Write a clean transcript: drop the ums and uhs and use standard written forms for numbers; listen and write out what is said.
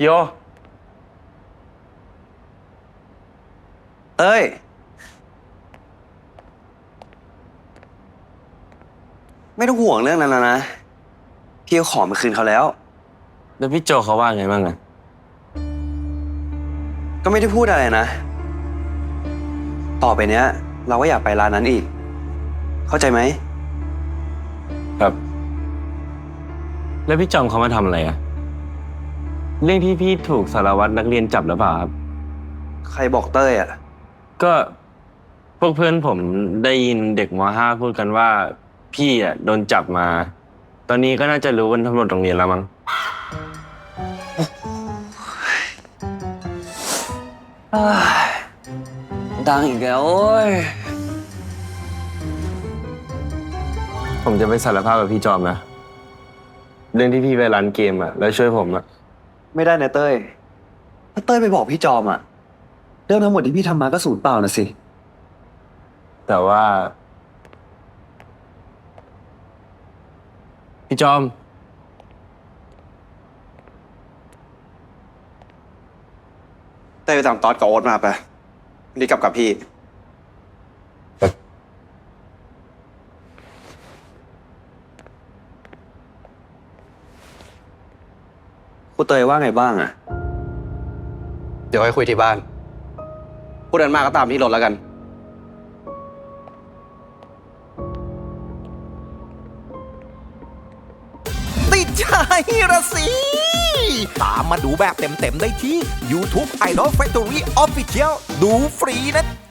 พี่โอเต้ยไม่ต้องห่วงเรื่องนั้นแล้วนะพี่เอาของมาคืนเขาแล้วแล้วพี่โจเขาว่าไงบ้างอะก็ไม่ได้พูดอะไรนะ ต่อไปเนี้ย เราก็อยากไปร้านนั้นอีก เข้าใจไหมครับ แล้วพี่จอมเขามาทำอะไรอะเรื่องที่พี่ถูกสารวัตรนักเรียนจับหรือเปล่าครับใครบอกเต้ยอ่ะก็พวกเพื่อนผมได้ยินเด็กม.5พูดกันว่าพี่อะโดนจับมา ตอนนี้ก็น่าจะรู้กันทั้งหมดโรงเรียนแล้วมั้งดังอีกแล้วโอ้ยผมจะไปสารภาพกับพี่จอมนะเรื่องที่พี่ไปร้านเกมอะแล้วช่วยผมอะไม่ได้นะเต้ย ถ้าเต้ยไปบอกพี่จอมอ่ะ เรื่องทั้งหมดที่พี่ทำมาก็สูญเปล่านะสิแต่ว่าพี่จอมเต้ยไปตามตอดกับโอ๊ตมาไปรีบกลับกับพี่ ครูเตยว่าไงบ้างอ่ะเดี๋ยวให้คุยที่บ้านพูดกันมากก็ตามที่รถแล้วกันติดใจระสิ ตามมาดูแบบเต็มๆได้ที่ YouTube Idol Factory Official ดูฟรีนะ